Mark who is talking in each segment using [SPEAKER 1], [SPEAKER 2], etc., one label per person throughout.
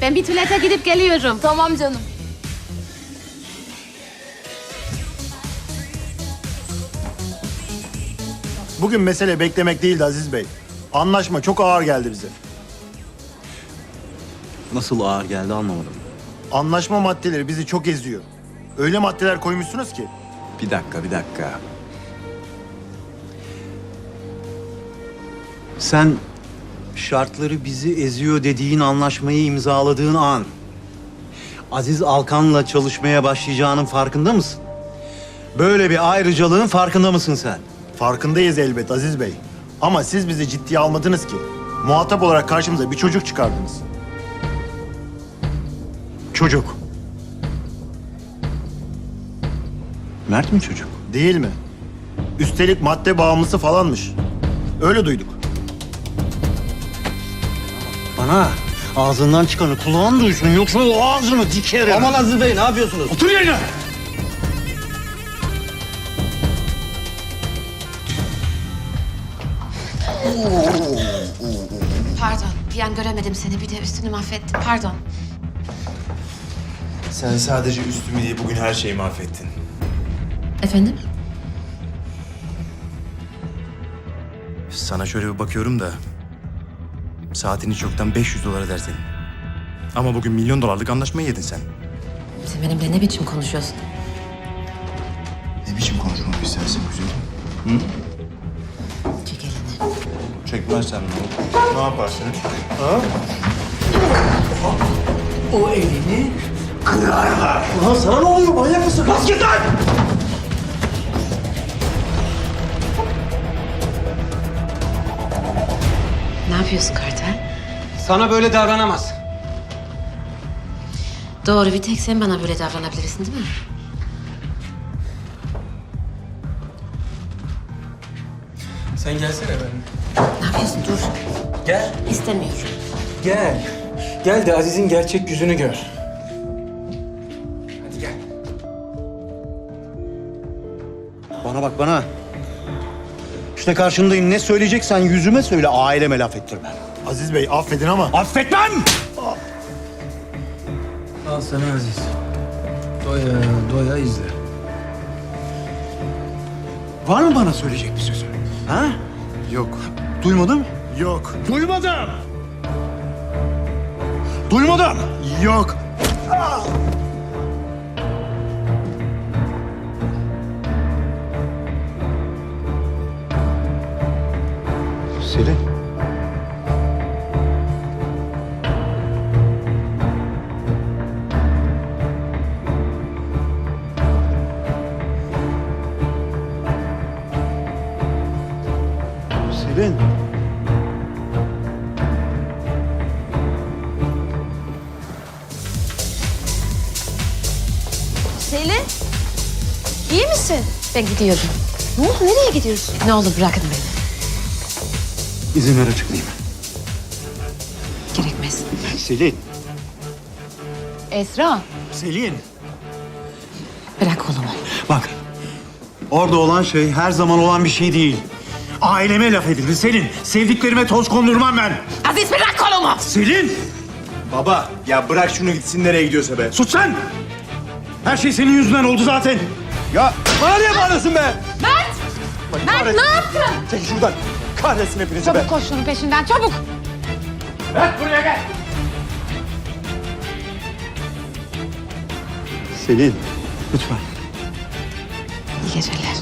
[SPEAKER 1] Ben bir tuvalete gidip geliyorum.
[SPEAKER 2] Tamam canım.
[SPEAKER 3] Bugün mesele beklemek değildi Aziz Bey. Anlaşma çok ağır geldi bize.
[SPEAKER 4] Nasıl ağır geldi anlamadım.
[SPEAKER 3] Anlaşma maddeleri bizi çok eziyor. Öyle maddeler koymuşsunuz ki.
[SPEAKER 4] Bir dakika. Sen şartları bizi eziyor dediğin anlaşmayı imzaladığın an Aziz Alkan'la çalışmaya başlayacağının farkında mısın? Böyle bir ayrıcalığın farkında mısın sen?
[SPEAKER 3] Farkındayız elbet Aziz Bey. Ama siz bizi ciddiye almadınız ki. Muhatap olarak karşımıza bir çocuk çıkardınız.
[SPEAKER 4] Çocuk. Mert mi çocuk?
[SPEAKER 3] Değil mi? Üstelik madde bağımlısı falanmış. Öyle duyduk.
[SPEAKER 4] Bana ağzından çıkanı kulağın duysun yoksa o ağzını dikerim.
[SPEAKER 5] Aman Aziz Bey ne yapıyorsunuz?
[SPEAKER 4] Otur yerine.
[SPEAKER 1] Pardon, bir an göremedim seni. Bir de üstünü mahvettim. Pardon.
[SPEAKER 5] Sen sadece üstümü değil bugün her şeyi mahvettin.
[SPEAKER 1] Efendim?
[SPEAKER 5] Sana şöyle bir bakıyorum da saatini çoktan 500 dolar eder senin. Ama bugün $1 milyon anlaşmayı yedin sen.
[SPEAKER 1] Sen benimle ne biçim konuşuyorsun?
[SPEAKER 5] Ne biçim konuşmak istersin güzelim?
[SPEAKER 1] Çek elini.
[SPEAKER 5] Çekmezsen ne olur? Ne yaparsın? Ha?
[SPEAKER 4] O elini kırarlar. Ulan sana ne oluyor manyak mısın? Bas git lan!
[SPEAKER 1] Ne yapıyorsun Kartal?
[SPEAKER 6] Sana böyle davranamaz.
[SPEAKER 1] Doğru, bir tek sen bana böyle davranabilirsin değil mi?
[SPEAKER 6] Sen gelsene benimle.
[SPEAKER 1] Ne yapıyorsun? Dur.
[SPEAKER 6] Gel.
[SPEAKER 1] İstemiyorum.
[SPEAKER 6] Gel. Gel de Aziz'in gerçek yüzünü gör. Hadi gel.
[SPEAKER 4] Bana bak bana. İşte karşındayım. Ne söyleyeceksen yüzüme söyle. Aileme laf ettirme.
[SPEAKER 3] Aziz Bey affedin ama
[SPEAKER 4] Affetmem!
[SPEAKER 6] Al sana Aziz. Doya doya izle.
[SPEAKER 4] Var mı bana söyleyecek bir sözü? Ha?
[SPEAKER 3] yok.
[SPEAKER 4] Duymadım.
[SPEAKER 3] Yok.
[SPEAKER 4] Duymadım. Duymadım.
[SPEAKER 3] Yok.
[SPEAKER 4] Selin. Selin.
[SPEAKER 2] Selin, iyi misin?
[SPEAKER 1] Ben gidiyorum.
[SPEAKER 2] Ne oldu? Nereye gidiyorsun?
[SPEAKER 1] Ne olur bırakın beni.
[SPEAKER 4] İzin ver açıklayayım.
[SPEAKER 1] Gerekmez.
[SPEAKER 4] Selin.
[SPEAKER 2] Esra.
[SPEAKER 4] Selin.
[SPEAKER 1] Bırak kolumu.
[SPEAKER 4] Bak. Orada olan şey her zaman olan bir şey değil. Aileme laf edilir Selin. Sevdiklerime toz kondurmam ben.
[SPEAKER 1] Aziz bırak kolumu.
[SPEAKER 4] Selin!
[SPEAKER 5] Baba ya bırak şunu gitsin nereye gidiyorsa be.
[SPEAKER 4] Sus sen! Her şey senin yüzünden oldu zaten.
[SPEAKER 5] Ya bana niye bağırıyorsun be?
[SPEAKER 2] Mert ne yaptın?
[SPEAKER 5] Çekil şuradan. Kahretsin hepinizi be.
[SPEAKER 2] Çabuk koş şunun peşinden çabuk.
[SPEAKER 4] Selin, lütfen.
[SPEAKER 1] İyi geceler.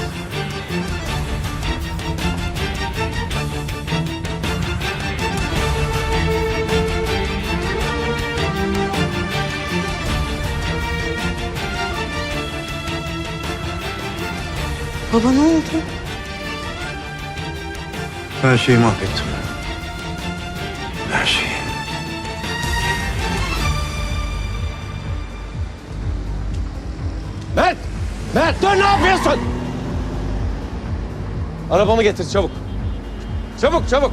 [SPEAKER 2] Baba ne oldu?
[SPEAKER 4] Her şeyi mahvettim. Her şeyi.
[SPEAKER 6] Mert! Mert dur ne yapıyorsun? Arabamı getir çabuk. Çabuk çabuk.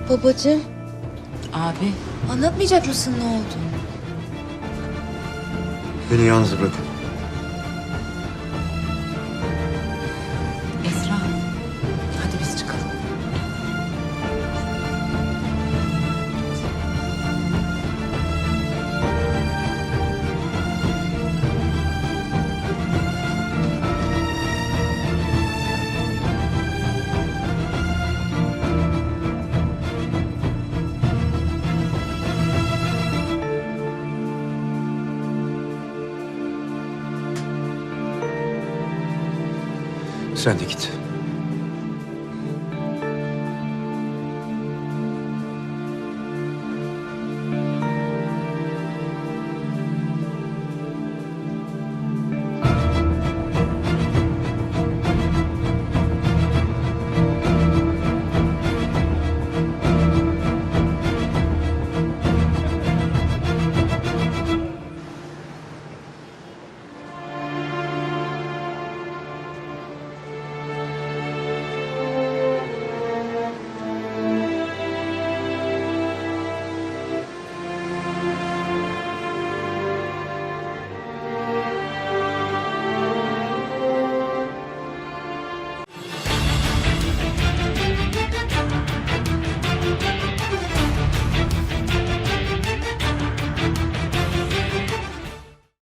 [SPEAKER 2] Babacığım,
[SPEAKER 1] Abi.
[SPEAKER 2] anlatmayacak mısın ne oldu?
[SPEAKER 4] Beni yalnız bırakın.
[SPEAKER 1] Esra, hadi biz çıkalım.
[SPEAKER 4] Sen de git.